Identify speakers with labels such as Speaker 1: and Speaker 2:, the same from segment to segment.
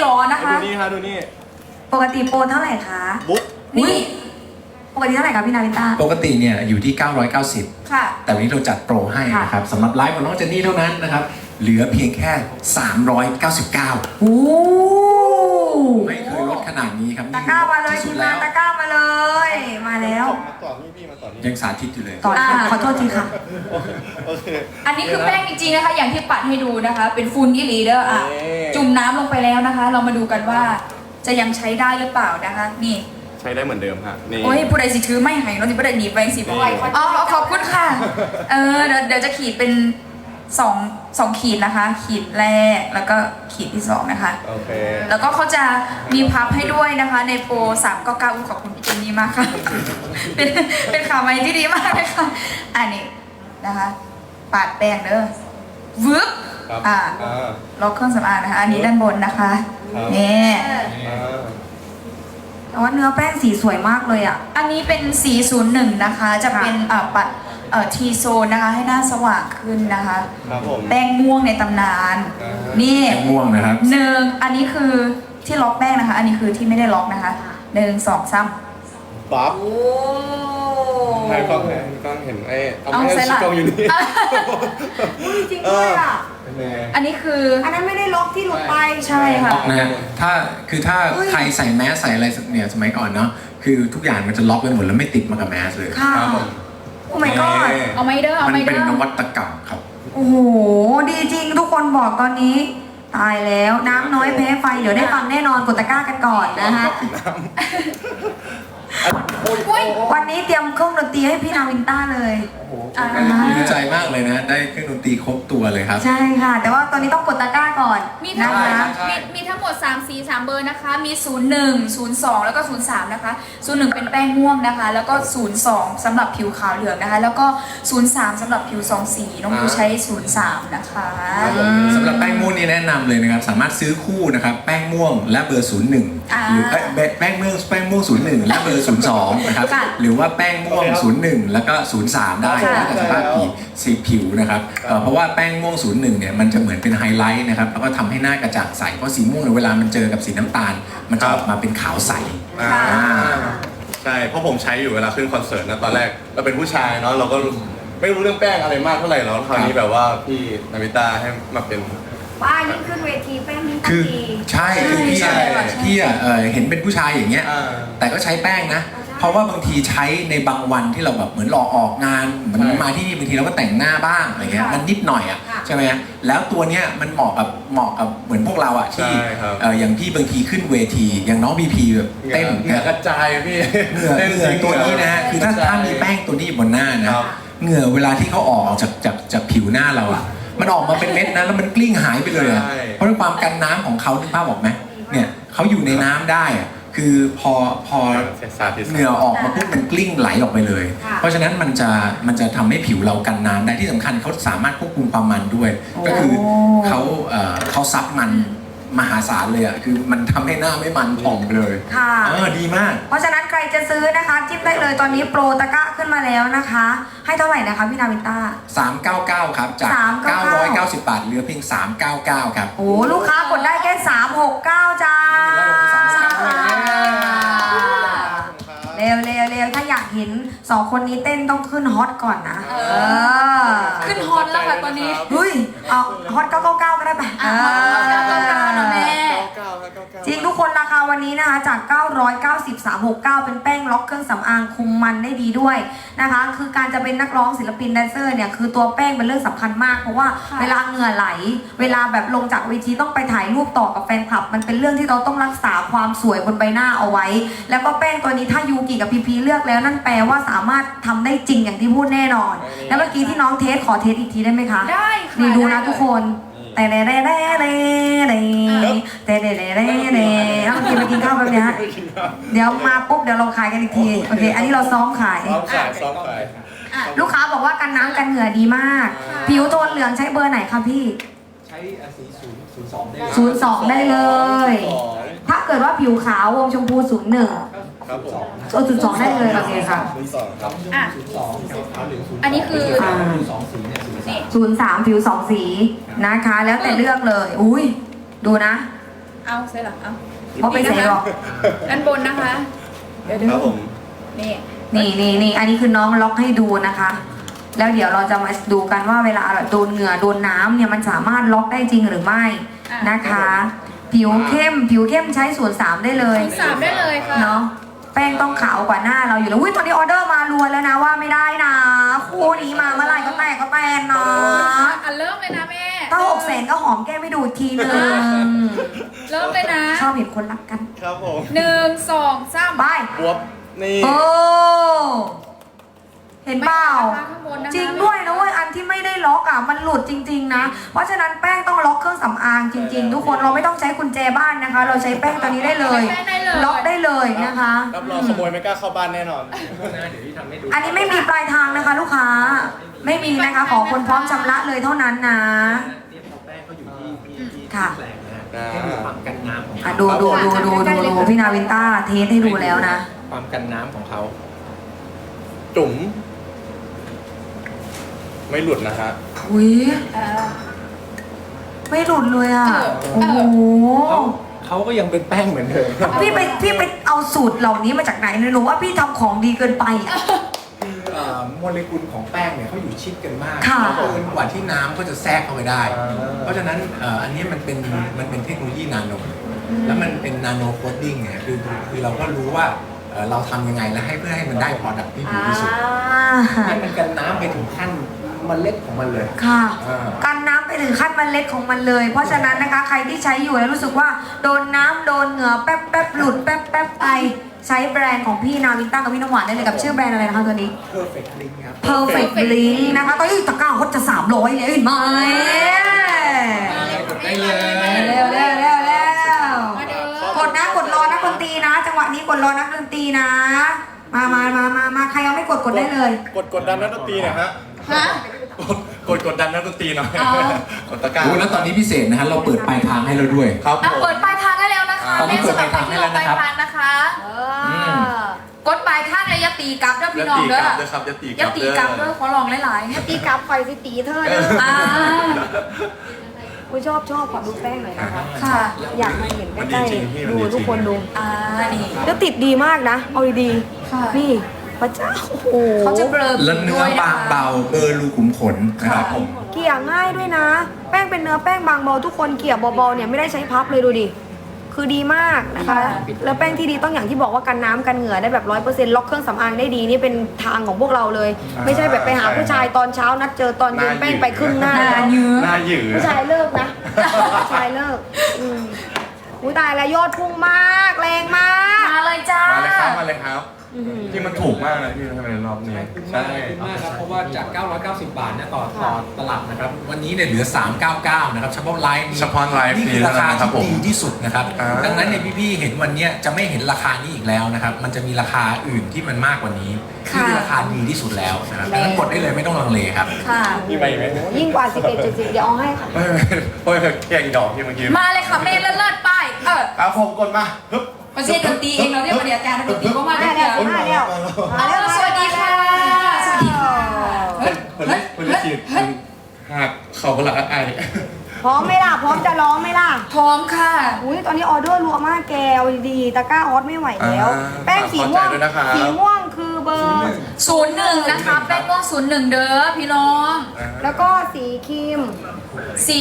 Speaker 1: หรอนะคะ
Speaker 2: ดูนี่ฮะดูนี่
Speaker 3: ปกติโปรเท่าไหร่คะ
Speaker 2: บุ๊ก
Speaker 1: นี่
Speaker 3: ปกติเท่าไหร่คะพี่นาวินต้า
Speaker 4: ปกติเนี่ยอยู่ที่ 990
Speaker 1: ค่ะ
Speaker 4: แต่วันนี้เราจัดโปรให้นะครับสำหรับไลฟ์ของน้องเจนนี่เท่านั้นนะครับ เหลือเพียงแค่ 399
Speaker 3: โอ้
Speaker 4: ไม่เคยลดขนาดนี้ครับ
Speaker 3: ตะกร้ามาเลย
Speaker 4: ที่
Speaker 3: ที
Speaker 4: สุ
Speaker 3: ม
Speaker 4: ด
Speaker 3: งา
Speaker 4: แล้
Speaker 3: น
Speaker 4: ว
Speaker 3: ตะกร้ามาเลย มาแล้ว
Speaker 2: มาต่อนี่พี่มาต่อนี่
Speaker 4: ยังสาธิตอยู่เลย
Speaker 3: ต่อขอโทษทีค่ะ
Speaker 2: โอเค
Speaker 1: อันนี้คือแป้งจริงๆนะคะ อย่างที่ปัดให้ดูนะคะ เป็นฟูนอีหลีเดอร์อ่ะ จุ่มน้ำลงไปแล้วนะคะ เรามาดูกันว่าจะยังใช้ได้หรือเปล่านะคะ นี่
Speaker 2: ใช้ได้เหมือนเดิมฮะนี่
Speaker 1: โอ้ยผู้ใดสิถือไม่หายเราจะไม่ได้หนีไปสิเพราะว่าอ๋อขอบคุณค่ะ เดี๋ยวจะขีดเป็นสองขีดนะคะ ขีดแรกแล้วก็ขีดที่2นะคะ
Speaker 2: โอเค
Speaker 1: แล้วก็เขาจะมีพับให้ด้วยนะคะ ในโปร399ขอบคุณพี่เจนนี่มากค่ะ เป็นข่าวใหม่ที่ดีมากเลยค่ะอันนี้นะคะ ปาดแป้งเด้อวึบ
Speaker 2: ครับ
Speaker 1: ล็อกเครื่องสำอางนะคะ อันนี้ด้านบนนะคะ
Speaker 2: ครับ
Speaker 1: นี่
Speaker 3: แต่ว่าเนื้อแป้งสีสวยมากเลยอ่ะ
Speaker 1: อันนี้เป็น401นะคะ จะเป็นปัดทีโซนนะคะ ให้หน้าสว่างขึ้นนะคะ
Speaker 2: ครับผม
Speaker 1: แป้งม่วงในตำนาน นี่
Speaker 4: แป้งม่วงนะครับ
Speaker 1: อันนี้คือที่ล็อกแป้งนะคะ อันนี้คือที่ไม่ได้ล็อกนะคะ1 2 3
Speaker 2: ปั๊บ
Speaker 3: โอ้
Speaker 2: ให้กล้องเห็นไอ้เอา
Speaker 1: เอา
Speaker 2: ไม่
Speaker 1: ใส่
Speaker 2: ให้
Speaker 1: หลัง
Speaker 2: กล้องอยู่นี่
Speaker 3: จริงด้วยอ่ะ
Speaker 2: เป็นไง
Speaker 1: อันนี้คือ
Speaker 3: อันนั้นไม่ได้ล็อกที่หลุดไป
Speaker 1: ใช่ค่ะ
Speaker 4: นะฮะถ้าใครใส่แมสใส่อะไรเนี่ยสมัยก่อนเนาะคือทุกอย่างมันจะล็อกไปหมดแล้วไม่ติดมากับแมสเลย
Speaker 3: ค่ะ
Speaker 2: ครับผม
Speaker 3: โอ้ my god
Speaker 1: เอาไม่เด้อเอา
Speaker 4: มัน
Speaker 1: ไม่
Speaker 4: เป็น
Speaker 1: เด้อน
Speaker 4: วัตกรรมครับ
Speaker 3: โอ้โห ดีจริงทุกคนบอกตอนนี้ ตายแล้วน้ำน้อยแพ้ไฟ เดี๋ยวได้ฟังแน่นอนกดตะกร้ากันก่อนนะคะ
Speaker 1: อุ้ย
Speaker 3: วันนี้เตรียมเครื่องดนตรีให้พี่นาวินต้าเลย
Speaker 4: ดีใจมากเลยนะ ได้เครื่องดนตรีครบตัวเลยครับ
Speaker 3: ใช่ค่ะ แต่ว่าตอนนี้ต้องกดตะกร้าก่อน
Speaker 1: มีทั้
Speaker 3: นะ
Speaker 1: งหมด
Speaker 3: คะ
Speaker 1: มีทั้งหมด3สี3เบอร์นะคะ มี01 02แล้วก็03นะคะ01เป็นแป้งม่วงนะคะ แล้วก็02สำหรับผิวขาวเหลืองนะคะ แล้วก็03สำหรับผิว2สีน้องยูใช้03นะคะ
Speaker 4: สำหรับแป้งม่วงนี่แนะนำเลยนะครับ สามารถซื้อคู่นะครับแป้งม่วงและเบอร์ 01 หรือแป้งม่วง01 และเบอร์ 02 นะครับ หรือว่าแป้งม่วง 01 แล้วก็ 03 ได้แล้วแต่สภาพผิวนะครับเพราะว่าแป้งม่วง 01 เนี่ยมันจะเหมือนเป็นไฮไลท์นะครับแล้วก็ทำให้หน้ากระจ่างใสเพราะสีม่วงเนี่ยเวลามันเจอกับสีน้ำตาล มันจะออกมาเป็นขาวใส
Speaker 2: ใช่เพราะผมใช้อยู่เวลาขึ้นคอนเสิร์ตนะตอนแรกเราเป็นผู้ชายเนาะเราก็ไม่รู้เรื่องแป้งอะไรมากเท่าไหร่แล้วคราวนี้แบบว่าพี่นาวินต้าให้มาเป็น
Speaker 3: ว่ายิ่งขึ้นเวทีแป้งยิ่ง
Speaker 4: คือ
Speaker 3: ดี
Speaker 4: ใช่คือพี่
Speaker 2: ใช่
Speaker 4: เห็นเป็นผู้ชายอย่างเงี้ย แต่ก็ใช้แป้งนะ เพราะว่าบางทีใช้ในบางวันที่เราแบบเหมือนรอออกงานเหมือนมาที่นี่บางทีเราก็แต่งหน้าบ้างอะไรเงี้ยมันนิดหน่อยอ่ะใช่ไหมแล้วตัวเนี้ยมันเหมาะกับเหมือนพวกเราอ่ะที่อย่างพี่บางทีขึ้นเวทีอย่างน้องพีพีแบบเต้น
Speaker 2: เหงื่อกระจายพี่
Speaker 4: เหงื่อตัวนี้นะฮะคือถ้ามีแป้งตัวนี้อยู่บนหน้านะเหงื่อเวลาที่เขาออกจากผิวหน้าเราอ่ะมันออกมาเป็นเม็ดนะแล้วมันกลิ้งหายไปเลยอ่ะเพราะความกันน้ำของเขานึกภาพออกไหมเนี่ยเขาอยู่ในน้ำได้อ่ะคือพอเหงื่อออกมาปุ๊บมันกลิ้งไหลออกไปเลย เพราะฉะนั้นมันจะทำให้ผิวเรากันน้ำได้ที่สำคัญเขาสามารถควบคุมความมันด้วย ก็คือเขาซับมันมหาศาลเลยอ่ะคือมันทำให้หน้าไม่มันผ่องไปเลย
Speaker 3: ค่ะ
Speaker 4: ดีมาก
Speaker 3: เพราะฉะนั้นใครจะซื้อนะคะจิ้มได้เลยตอนนี้โปรตะกร้าขึ้นมาแล้วนะคะ ให้เท่าไหร่นะคะพี่นาวินต้า
Speaker 4: 399 ครับ จาก
Speaker 3: 399
Speaker 4: 990 บาทเหลือเพียง 399 ครับ
Speaker 3: โอ้ลูกค้ากดได้แค่369จ้าเร็วถ้าอยากเห็น2คนนี้เต้นต้องขึ้นฮอตก่อนนะ
Speaker 1: ขึ้นฮอตแล้วค่ะตอนนี้
Speaker 3: เฮ้ยเอาฮอต999ก็ได้ปะ
Speaker 1: ฮอต999นะแม่
Speaker 3: จริงทุกคนราคาวันนี้นะคะจาก990 369เป็นแป้งล็อกเครื่องสำอางคุมมันได้ดีด้วยนะคะคือการจะเป็นนักร้องศิลปินแดนเซอร์เนี่ยคือตัวแป้งเป็นเรื่องสำคัญมากเพราะว่าเวลาเหงื่อไหลเวลาแบบลงจากเวทีต้องไปถ่ายรูปต่อกับแฟนคลับมันเป็นเรื่องที่เราต้องรักษาความสวยบนใบหน้าเอาไว้แล้วก็แป้งตัวนี้ถ้ายูกิกับพีพีเลือกแล้วนั่นแปลว่าสามารถทำได้จริงอย่างที่พูดแน่นอนแล้วเมื่อกี้ที่น้องเทสขอเทสอีกทีได้ไหมคะ
Speaker 1: ได้ค่ะ
Speaker 3: นี่ดูนะทุกคนแต่เร่เอามากินข้าวแบบนี้เดี๋ยวมาปุ๊บเดี๋ยวเราขายกันอีกทีโอเคอันนี้เราซ้อมขาย
Speaker 2: ซ้อมขาย
Speaker 3: ลูกค้าบอกว่ากันน้ำกันเหงื่อดีมาก ผิวโทนเหลืองใช้เบอร์ไหนคะพี่
Speaker 4: ใช้สี02ได้
Speaker 3: 02ได้เลย ถ้าเกิดว่าผิวขาววงชมพู01
Speaker 2: ครับผม
Speaker 3: 02ได้เลยโอเคค่ะ
Speaker 2: ครับ
Speaker 1: อันนี้คือนี่
Speaker 3: 03ผิว2สีนะคะ แล้วแต่เลือกเลยอุ้ยดูนะ
Speaker 1: เอาใส่หลังเอา
Speaker 3: เพราะไปใส่หรอก
Speaker 1: ด้านบนนะคะ เดี๋ยว
Speaker 2: ครับผม
Speaker 1: นี่
Speaker 3: นี่อันนี้คือน้องล็อกให้ดูนะคะ แล้วเดี๋ยวเราจะมาดูกันว่าเวลาโดนเหงื่อโดนน้ำเนี่ยมันสามารถล็อกได้จริงหรือไม่นะคะ ผิวเข้มใช้ส่วน3ได้เลย
Speaker 1: สามได้เลยค่ะ
Speaker 3: เนาะแป้งต้องขาวกว่าหน้าเราอยู่แล้วอุ้ยตอนนี้ออเดอร์มารัวแล้วนะว่าไม่ได้นะคู่นี้มาเมื่อไหร่ก็แตกนะ
Speaker 1: อ่ะเริ่มเลยนะแม่
Speaker 3: ถ้า600,000ก็หอมแก้มไม่ดูทีนึง
Speaker 1: เริ่มเลยนะ
Speaker 3: ชอบเห็นคนรักกัน
Speaker 2: ครับผม
Speaker 1: 1 2 3
Speaker 3: ไป
Speaker 2: บวบนี่
Speaker 3: โอ้เห็นเปล่า
Speaker 1: ข้างบนนะคะ
Speaker 3: จริงด้วยนะเว้ยอันที่ไม่ได้ล็อกอ่ะมันหลุดจริงๆนะเพราะฉะนั้นแป้งต้องล็อกเครื่องสำอางจริง ๆ ทุกคนเราไม่ต้องใช้กุญแจบ้านนะคะ เราใช้แป้งตัวนี้ได้เลย
Speaker 1: แป้งได้เลย
Speaker 3: ล็อกได้เลยนะคะ
Speaker 2: รับรองขโมยไม่กล้าเข้าบ้านแน่นอน
Speaker 4: เดี๋ยวที่ทำให้ดู
Speaker 3: อันนี้ไม่มีปลายทางนะคะ ลูกค้าไม่มีนะคะขอคนพร้อมชำระเลยเท่านั้นนะ
Speaker 4: เนี่ยพอแป้งเขาอยู่ที่
Speaker 3: ค่ะ
Speaker 4: แปลงนะให้ดูความกันน้ำของ
Speaker 3: อ่ะ
Speaker 4: เขา
Speaker 3: ดูพี่นาวินต้าเทสให้ดูแล้วนะ
Speaker 4: ความกันน้ำของเขา
Speaker 2: จุ๋มไม่หลุดนะฮะ
Speaker 3: อุ้ย
Speaker 1: เออ
Speaker 3: ไม่หลุดเลยอ่ะ
Speaker 1: เออ
Speaker 3: โอ้โห
Speaker 4: เขาก็ยังเป็นแป้งเหมือนเดิม
Speaker 3: พี่ไปเอาสูตรเหล่านี้มาจากไหนเนี่ยหนูว่าพี่ทำของดีเกินไปอ่ะ
Speaker 4: คือโมเลกุลของแป้งเนี่ยเขาอยู่ชิดกันมาก
Speaker 3: ค่ะ
Speaker 4: เกินกว่าที่น้ำก็จะแทรกเข้าไปได้ เพราะฉะนั้นอันนี้มันเป็นเทคโนโลยีนาโนแล้วมันเป็นนาโนโคดดิ้งเนี่ยคือเราก็รู้ว่าเราทำยังไงแล้วให้เพื่อให้มันได้ product ที่ดีที่สุดให้มันกันน้ำไปถึงขั้นเมล็ดของมันเลย
Speaker 3: ค่ะ
Speaker 4: อ่า
Speaker 3: กันน้ำไปถึงขั้นเมล็ดของมันเลย เพราะฉะนั้นนะคะใครที่ใช้อยู่แล้วรู้สึกว่าโดนน้ำโดนเหงื่อแป๊บหลุดแป๊บไปใช้แบรนด์ของพี่นาวินต้ากับพี่น้ำหวานได้เลยกับชื่อแบรนด์อะไรนะคะตัวนี้
Speaker 4: perfect link ครับ
Speaker 3: Perfect Link นะคะตอนนี้ตะกร้าเขาจะ300แล้วเห็นไหม
Speaker 4: ได้เลย
Speaker 3: เร็วๆ
Speaker 1: มาเด้อ
Speaker 3: กดนะกดรอนักดนตรีนะ จังหวะนี้กดรอนักดนตรีนะ มาใครยังไม่กดได้เลย
Speaker 2: กดดันนักดนตรีหน่อยฮะ
Speaker 1: ฮะ
Speaker 2: กดดันนักดนตรีหน่อย
Speaker 1: อ๋อ
Speaker 2: กดตะกร้า
Speaker 4: โอ้แล้วตอนนี้พิเศษนะฮะเราเปิดปลายทางให้เราด้วย
Speaker 2: ครับผม
Speaker 1: เปิดปลายทางได้แล้วนะคะ
Speaker 4: ตอนนี้เปิดปลายทางให้แล้วนะครับ
Speaker 1: ปลายทางนะคะกดปลายทางเลยอยาตีกลับเด้อพี่น้องเด้อ
Speaker 2: เด้อครับจะตี
Speaker 1: อย่าตีกลับเด้อขอลองหลายๆเนี่ย
Speaker 3: ตีกลับคอยสิตีเธอเด้อ
Speaker 1: อ่า
Speaker 3: กูชอบขอดูแป้งหน่อยนะคะ
Speaker 1: ค่ะ
Speaker 3: อยากมาเห็น
Speaker 2: มัน
Speaker 3: ใก
Speaker 2: ดี
Speaker 3: ล้
Speaker 2: จริงพี่
Speaker 3: ๆ
Speaker 2: มัน
Speaker 3: ดู
Speaker 2: ดีจ
Speaker 3: ทุ
Speaker 2: ริ
Speaker 3: ก
Speaker 2: ง
Speaker 3: คนดู
Speaker 1: นี่
Speaker 3: แล้วติดดีมากนะ เอาดี
Speaker 1: ค่ะ
Speaker 3: ๆนี่พระเจ้าโอ้โห
Speaker 1: เขาจะเบลอ
Speaker 4: แล้วเนื้อบางเบาเบอร์รูขุมขนนะครับผม
Speaker 3: เกลี่ยง่ายด้วยนะ แป้งเป็นเนื้อแป้งบางเบาทุกคนเกลี่ยเบาๆเนี่ยไม่ได้ใช้พับเลยดูดิ คือดีมากนะคะ แล้วแป้งที่ดีต้องอย่างที่บอกว่ากันน้ำกันเหงื่อได้แบบ100%ล็อกเครื่องสำอางได้ดีนี่เป็นทางของพวกเราเลย ไม่ใช่แบบไปหาผู้ชายตอนเช้านัดเจอตอนเย็นแป้งไปครึ่งหน้าแล้ว
Speaker 2: หน้าหยืด
Speaker 3: ผู้ชายเลิกนะ ผู้ชายเลิกอุ้ยตายแล้วยอดพุ่งมากแรงมาก
Speaker 1: มาเลยจ้า
Speaker 2: มาเลยครับที่มันถูกมากเลยพี่ทำไมรอบนี้ใช่
Speaker 4: ขอบคุณมากครับเพราะว่าจาก 990 บาทนะต่อตลับนะครับ วันนี้เนี่ยเหลือ 399 นะครับเฉพาะไลฟ์นี้
Speaker 2: เฉพาะไลฟ์
Speaker 4: นี่
Speaker 2: นี้
Speaker 4: คือราคา
Speaker 2: นะครับผม
Speaker 4: ที่ดีที่สุดนะครับ
Speaker 2: อ่า
Speaker 4: ดังนั้นเนี่ยพี่ๆเห็นวันเนี้ยจะไม่เห็นราคานี้อีกแล้วนะครับ มันจะมีราคาอื่นที่มันมากกว่านี้ที่คือราคาดีที่สุดแล้วนะครับดังนั้นกดได้เลยไม่ต้องลังเลครับ
Speaker 1: ค่ะ
Speaker 2: พี่ไปไหม
Speaker 3: ยิ่งกว่า 11.70 เดี๋ยวเอาให้ค่ะ
Speaker 2: ไม่แกงดอกที่เมื่อกี้
Speaker 1: มาเลยค่ะเมนเลิศๆไป
Speaker 2: เอาผมกดมาฮึบ
Speaker 1: มาเชียร์ดนตรีเองเราเรียกว่าเดี๋ยวอาจารย์ดนตรีก็มาเดี๋ยว
Speaker 3: มาแล้ว
Speaker 1: สวัสดีค่ะสวัสดีค่ะ
Speaker 2: คนเล่นฉีดหักเข่าประหลาดไอ
Speaker 3: พร้อมไหมล่ะ พร้อมจะร้องไหมล่ะ
Speaker 1: พร้อมค่ะ
Speaker 3: อุ้ยตอนนี้ออเดอร์รัวมากแกวดีตะกร้าออสไม่ไหวแล้ว แป้งสีม่วง สีม่วงคือเบอร์
Speaker 1: 01นะคะแป้งม่วง01เด้อพี่น้อง
Speaker 3: แล้วก็สีครีม
Speaker 1: สี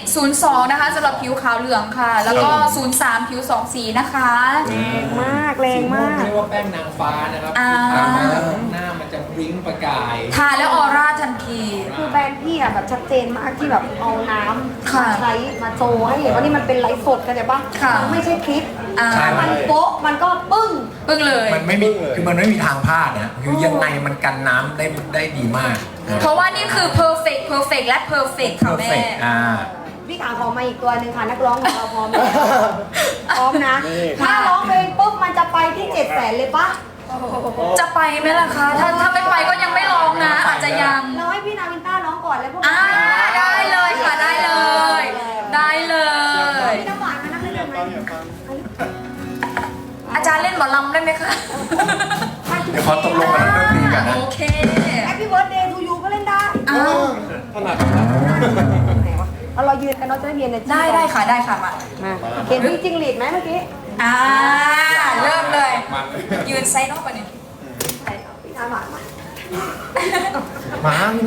Speaker 1: 02นะคะสำหรับผิวขาวเหลืองค่ะ แล้วก็03ผิว2สีนะคะ
Speaker 3: แรงมากแรงมาก
Speaker 4: เรียกว่าแป้งนางฟ้านะครับ
Speaker 1: อ่า
Speaker 4: หน้ามันจะบลิ้งประกาย
Speaker 1: ทาแล้วออร่าทันที
Speaker 3: คือแบรนด์พี่อะแบบชัดเจนมากที่แบบเอาน้ำ
Speaker 1: ค่ะ
Speaker 3: มาใช้มาโชว์ให้เห็นว่านี่มันเป็นไลฟ์สดกันใช่ปะ
Speaker 1: ค่ะ
Speaker 3: ไม่ใช่คลิป
Speaker 1: อ่า
Speaker 4: ใช่
Speaker 3: มันโป๊ะมันก็ปึ้ง
Speaker 1: เพิ่งเลย
Speaker 4: มันไม่มีคือมันไม่มีทางพลาดนะคือยังไงมันกันน้ำได้ดีมากนะ
Speaker 1: เพราะว่านี่คือ perfect และ perfect ค่ะแม่
Speaker 4: perfect
Speaker 3: พี่ขาขอมาอีกตัวหนึ่งค่ะนักร้องของเราพร้อมไหมพร้อมนะ ถ้าร้องเพลงปุ๊บมันจะไปที่700,000เลยปะ
Speaker 1: จะไปไหมล่ะคะ ถ้าไม่ไปก็ยังไม่ร้องนะ อาจจะยัง
Speaker 3: เราให้พี่นาวินต้าร้องก่อนแล้วพวก
Speaker 1: ได้เลยค่ะได้เลย ได้เลย
Speaker 3: พี่น้ำหวานมานั่งเล่นกันไหม
Speaker 1: อาจารย์เล่นหมอลำได้ไหมคะ
Speaker 4: เดี๋ยวขอตกลงกับนักดนตรีก่อนนะ
Speaker 1: โอเค
Speaker 3: แฮปปี้เบิร์ดเดย์ทูยูก็เล่นได้
Speaker 1: อ้าว
Speaker 2: ถนัด
Speaker 3: ไหนวะเรายืนกันเนาะจะได้มี energy
Speaker 1: ได้ค่ะได้ค่ะมา
Speaker 3: มาเห็นพี่จิงหรีดไหมเมื่อกี้
Speaker 1: เริ่มเลย ยืนไซน์นอกไปหนึ่ง
Speaker 3: พี่นาหวานมา
Speaker 2: มา